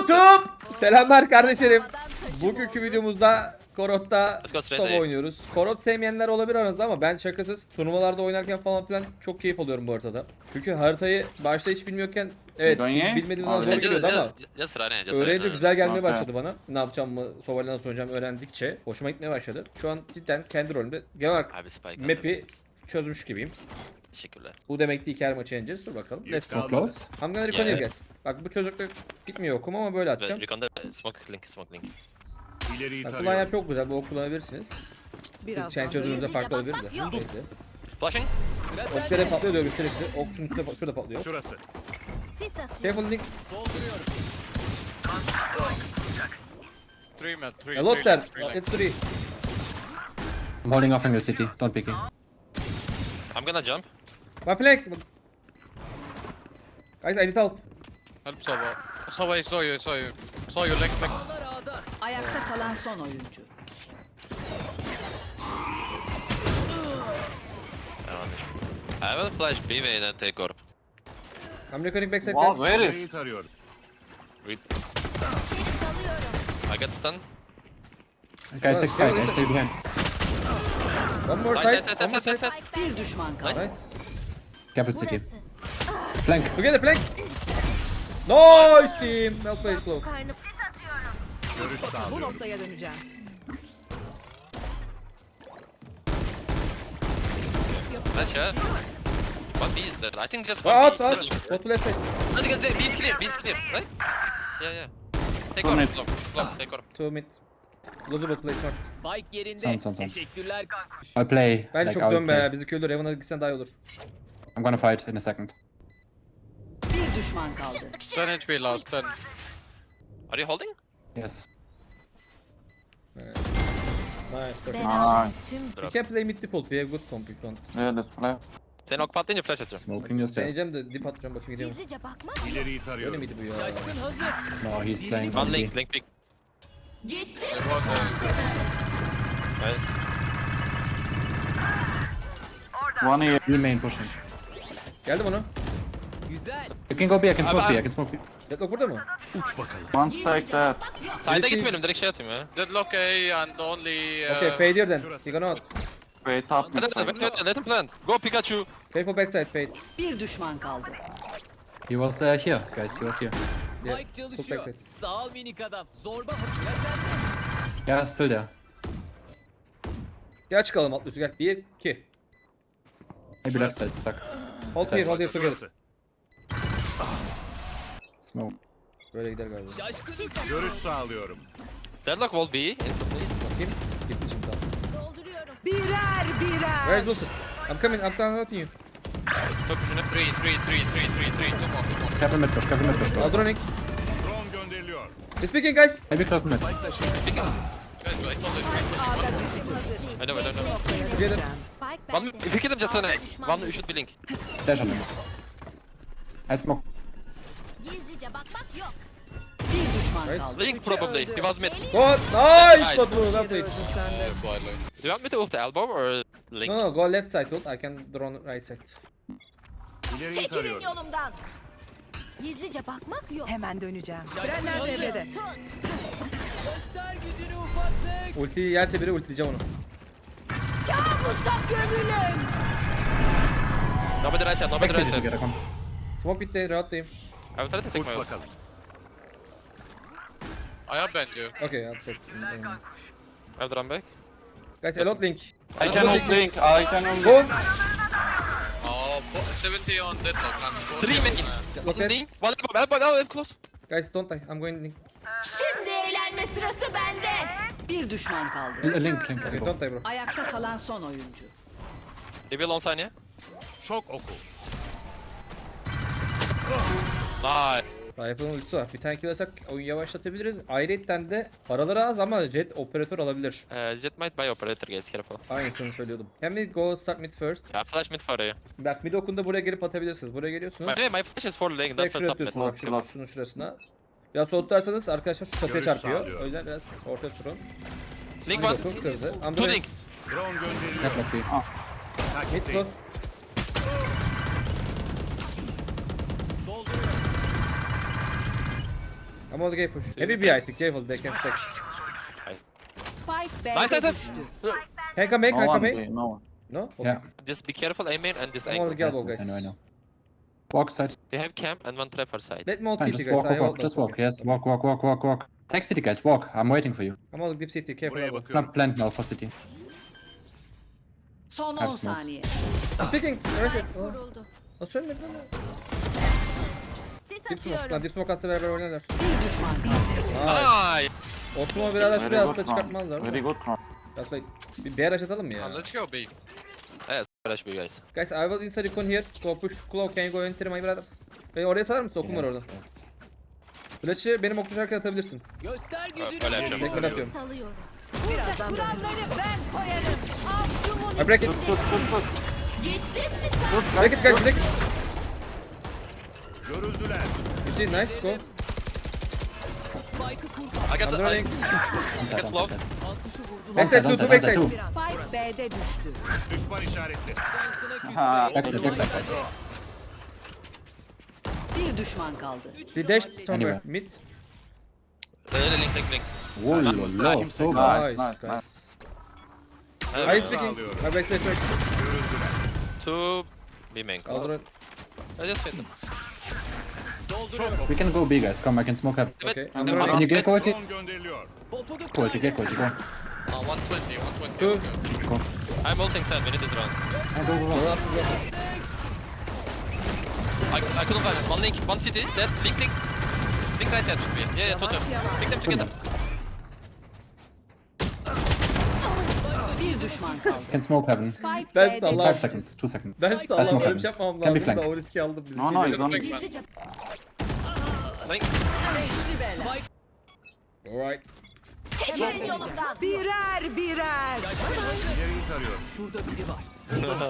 YouTube! Selamlar kardeşlerim. Bugünkü videomuzda Korot'ta solo oynuyoruz. Korot sevmeyenler olabilir aranızda ama ben şakasız turnuvalarda oynarken falan filan çok keyif alıyorum bu haritada. Çünkü haritayı başta hiç bilmiyorken evet bilmediğimden zor geliyordu ama öğrenince güzel gelmeye başladı bana. Ne yapacağımı, Soval'e nasıl oynayacağımı öğrendikçe hoşuma gitmeye başladı. Şu an cidden kendi rolümde genel olarak map'i çözmüş gibiyim. Teşekkürler. Bu demek değil ki her maçı yeneceğiz. Dur bakalım. Let's go. Close. I'm gonna recon you guys. Bak bu çocukta gitmiyor okum ama böyle atacağım. Recon'da smoke link. Bak kulağın yer çok güzel. Bu ok kullanabilirsiniz. Biz chain çözümümüzde farklı olabilir de. Neyse. Flashing. Oklara patlıyor diyor gösterir size. Ok şunun üstüne şurada patlıyor. Şurası. Careful link. Three man, three. A lot there. Three It's three. I'm holding off angle city. Don't pick it. I'm gonna jump. My flank. Guys I need help. Help Sova. Sova, I saw you, I saw you. Saw you, link. Ayakta kalan son oyuncu. I will flash B main and take orb. I'm recording backside Wow, guys. where is? İleriyi tarıyorum. I got stun. Guys, take spike. Guys, stay behind. One more Side, side. side, One more side, side. side, side. Bir düşman kaldı. Nice. Nice. Careful city. Flank. Together flank. Nice team. Well played close. Görüş Bu sağlıyorum. noktaya döneceğim. Nice shot. One B is there. I think just Out one B out. is there. Go to left side. No, B is clear, B is clear, right? Yeah. Take Two orb, mid. long, take orb. 2 mid. Losable play smart. Spike yerinde. Son. Teşekkürler kankuş. I'll play. Bence like, çok I'll dön play. be. Bizi köylü Raven'a gitsen daha iyi olur. I'm gonna fight in a second. Bir düşman kaldı. 10 HP last, 10. Are you holding? Yes. Nice. Perfect. Nice. You can play mid default. We have good comp if you want. Yeah, let's play. Sen ok patlayınca flash atacağım. Smoking yourself. Deneyeceğim de dip atacağım bakayım gidiyor mu? Gizlice bakmak. İleriyi Öyle tarıyorum. miydi bu ya? Şaşkın hazır. No, he's playing. One B. link big. Gitti. They bought Nice. One here. B main pushing. Geldim onu. Güzel. You can go B. I can smoke B. I can smoke B. Deadlock burada mı? One stack there. Side'a gitmeyelim, direkt şey atayım ya. Deadlock A and only... Okay, fade here then. Şurası. You gonna out. Wait up. Let him plant. Go Pikachu. Careful backside fade. Bir düşman kaldı. He was here, guys. He was here. Yeah, Spike çalışıyor. backside. Sağ ol minik adam. Zorba hatırlar sende. Yeah, still there. Gel çıkalım alt üstü gel. 1, 2. Maybe left side stuck. Hold here together. Şurası. Smoke. Böyle gider galiba. Şaşkın. Görüş sağlıyorum. Deadlock wall B instantly. Bakayım. Gitti şimdi tamam. Dolduruyorum. Where is Wilson? I'm coming helping you. Top üstüne 3. Two more. Careful mid push. Careful mid push. Close. Aldronik. Drone gönderiliyor. He's speaking guys. Maybe close mid. Guys, I thought they I know. Together. Spike One, if you kill him just one you should be link. Dash on him. I smoke. Gizlice bakmak yok. Bir düşman Right. kaldı. Link probably. He was mid. Go. Nice. Nice. Batu. Well played. Yes, wide lane. Do you want me to ult elbow or link? No, go left side hold. I can drone right side. İleriyi Çekilin tarıyorum. yolumdan. Gizlice bakmak yok. Hemen döneceğim. Şaşkın hazır. Tut. Göster gücünü ufaklık. Ultiyi yerse biri ultileyeceğim onu. Kabusa gömülün. Nobody right side, nobody Back right city side. together. Come. Smoke bitti. Rahatlayayım. I will try to take Uç my ult. bakalım. I have banned you. Okay, I'll take. I'll run back. Guys, a lot link. I can hold link. I can hold. Go. Oh, 70 on Deadlock. I'm 3 main. Look One at. link. One elbow, I'm close. Guys, don't die. I'm going link. Şimdi eğlenme sırası bende. Bir düşman kaldı. Link. Okay, Elbow. don't die bro. Ayakta kalan son oyuncu. They will on sign ya. Şok oku. Nice. Rifle'ın ultisi var. Bir tane kill alırsak oyunu yavaşlatabiliriz. Ayrıca de paraları az ama jet operatör alabilir. Jet might buy operator guys, careful. Aynısını söylüyordum. Can we go start mid first? Yeah, flash mid for you. Bak mid okunda buraya gelip atabilirsiniz. Buraya geliyorsunuz. My flash is for link, Direkt not for şuraya top mid. atıyorsunuz. Bak şunun şurasına. Biraz soğutursanız arkadaşlar şu çatıya Görüş çarpıyor. sağlıyor. O yüzden biraz ortaya turun. Link Mid one. oku kırdı. I'm Two going link. Drone gönderiliyor. Deadlock B. mid Takip close. değil. I'm on the gate push. Maybe B, I think. Careful, they can stack. Spike Nice, B'de nice, nice. düştü. Can come No can one come B, no one. No? Okay. Yeah. Just be careful, A main and this I'm on angle. the elbow, Yes, I guys. know, I know. Walk side. They have camp and one trapper side. Let me ult Fine, CT, just guys. walk, I walk, hold walk. Just them. walk. Yes, walk, walk, walk, walk, walk. Take city, guys. Walk. I'm waiting for you. I'm on deep CT. Careful. Buraya elbow. bakıyorum. Not plant now for city. Son 10 Have smokes. saniye. Picking. Right. Kuruldu. Nasıl ölmedi lan? Sis Dip smoke. Lan atıyorum. dip smoke atsa beraber oynarlar. Bir düşman kaldı. Ay. Osman'ı birader Very şuraya good atsa round. çıkartmazlar Very mı? good round. That's like bir BRH atalım mı ya? Let's go B. Yes, flash B guys. Guys, I was inside recon here. Go push claw. Can you go enter my brother? Oraya sarar mısın? Okum var orada. Yes. Flash'ı benim ok düşerken atabilirsin. Göster gücünü. Öyle yapacağım. Tekrar atıyorum. Salıyorum. Birazdan dönüyorum. Kuralları ben koyarım. Avcumun I break it. Gittim mi sen? Break it guys, break it. Görüldüler. You see, nice, go. Spike'ı kur. I got I'm the... running. Inside, Get slow. guys. Ankuşu vurdum. Backside, Onside, two onside, backside. onside, Spike B'de düştü. Düşman işaretli. Şansına Ha, küstü. Backside, backside, guys. Bir düşman kaldı. They dashed somewhere. Anywhere. Mid. Link. Whoa, low, so good. Nice, Nice, nice, guys. I I speaking. I backside first. Two B main. Aldırın. I just hit them. We can go B, guys. Come, I can smoke up. Okay. I'm I'm running. running. Can you get quality? Drone gönderiliyor. Pofuduk Quality, get quality, go. 120, 120. Two. Okay. Go. I'm ulting side, we need to drone. Go, go, go. I couldn't find it. One link, one city, dead, link. Link right side should be. Yeah, totem. Pick them together. Bir düşman kaldı. Can smoke heaven. Spike Ben B'de de Allah- 5 seconds, 2 seconds. Ben de Allah'ım smoke öyle bir şey heaven. yapmam Can be lazım da flank. o riski aldım. Biz No, no, he's on. Gizlice Link. beşli bela. Alright. Çekilin yolumdan. Birer birer. İleriyi tarıyorum. şurada biri var.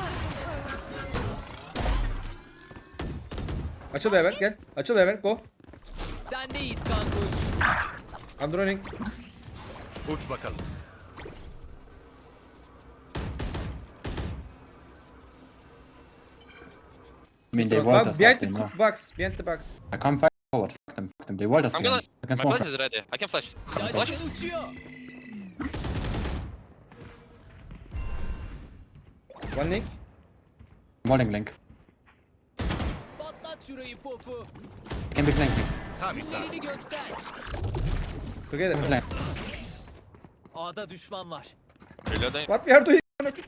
Açıl hemen gel. Açıl hemen go. Sendeyiz kankuş. I'm running. Uç bakalım. I mean, they walled Bak us behind up, the they know. box. Behind the box. I can't fight forward. Fuck them, fuck them. They walled us I'm gonna... behind. I can My smoke. flash is ready. I can flash. Flash. Şaşkın uçuyor. One link. Walling link. Patlat şurayı pofu. Can be flanking. Tam isabet. Günlerini göster. Together. Flank. A'da düşman var. Reloading. What we are doing?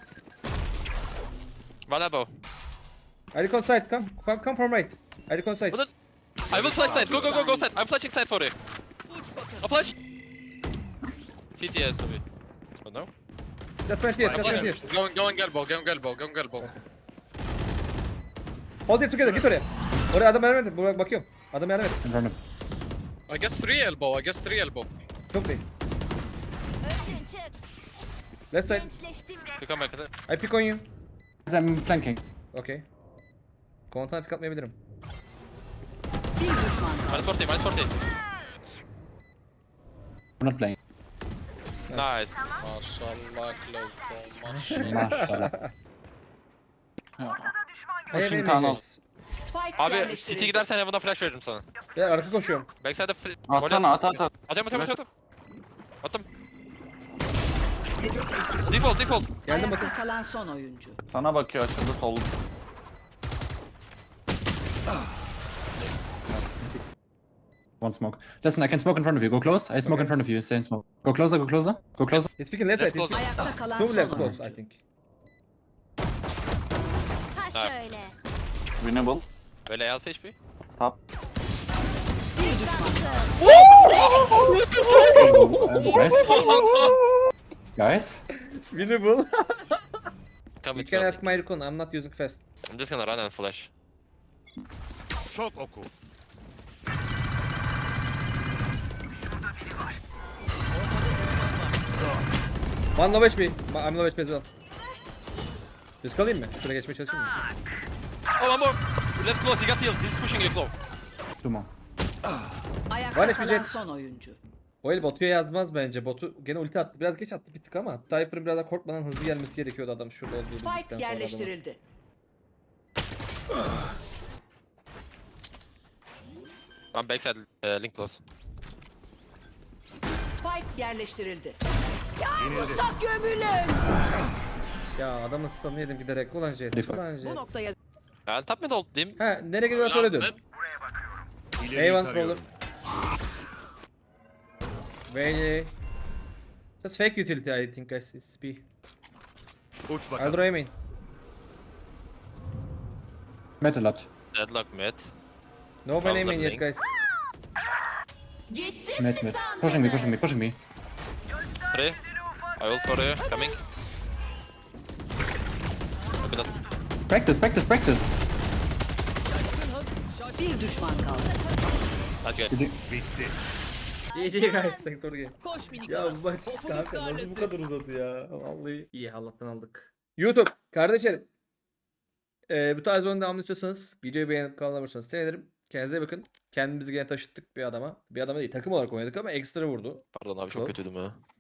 One elbow. I recon side. Come from right. I recon side. What I will flash side. Go side. I'm flashing side for you. I'll flash. CTS tabii. Oh no. That's 20 here. That's 20 here. Going elbow. Hold it together. Git oraya. Oraya adam yardım et. Buraya bakıyorum. Adam yardım et. In front of I guess 3 elbow. Çok değil. Özün çık. Left side. Gençleştim resmen. You come back. I pick on you. I'm flanking. Okay. Komutan pick atmayabilirim. Bir düşman kaldı. Minus 40. I'm not playing. Nice. Maşallah Cloud. Maşallah. Maşallah. Pushing Hey, tunnel. guys. Spike Abi yerleştirildi. CT gidersen Heaven'a flash veririm sana. Gel arka koşuyorum. Backside'da Atsana at. Atıyorum. Attım. Default. Geldim Ayakta bakın. kalan son oyuncu. Sana bakıyor açıldı sol. One smoke. Listen, I can smoke in front of you. Go close. I smoke in front of you. Stay in smoke. Go closer, go closer. Go closer. It's picking left side. Left It's close. Ayakta kalan two son left close I oyuncu. think. Ha şöyle. Winnable. Böyle alfa HP. Top. Bir düşman kaldı. Guys? Guys? Winnable. Come You with can me. ask my recon. I'm not using fast. I'm just gonna run and flash. Şok oku. One low HP. I'm low HP as well. Risk alayım mı? Şuraya geçmeye çalışayım mı? Oh, one more. Left close. He got healed. He's pushing you close. 2 more. Ayakta Var kalan Jet. son oyuncu. O el botuya yazmaz bence. Botu gene ulti attı. Biraz geç attı bir tık ama. Cypher'ın biraz daha korkmadan hızlı gelmesi gerekiyordu adam şurada olduğu bildikten Spike sonra adamın. yerleştirildi. One backside, link close. Spike yerleştirildi. Yenildi. Ya adamın stun'ını yedim giderek. Ulan Jet. Defa. Ulan Bu Jet. noktaya Top mid ult diyeyim. Ha nereye gidiyorlar söyle dön. İleriyi Eyvan tarıyorum. Vayne. Just fake utility I think guys. It's B. Uç I'll bakalım. draw main. Met a lot. Deadlock mid. No man Fazla aiming yet blink. guys. Met, met. Pushing me, pushing me, pushing me. 3. I ult for you. Coming. Open up. Practice, practice, practice. Bir düşman kaldı. Nice guy. GG. Bitti. GG guys. Thanks for the game. koş minik. Ya bu maç Topu kanka nasıl bu tarlası. kadar uzadı ya. Vallahi iyi Allah'tan aldık. YouTube kardeşlerim. Bu tarz oyun devamlı istiyorsanız videoyu beğenip kanala abone olursanız sevinirim. Kendinize iyi bakın. Kendimizi gene taşıttık bir adama. Bir adama değil takım olarak oynadık ama ekstra vurdu. Pardon abi çok kötüydüm ya.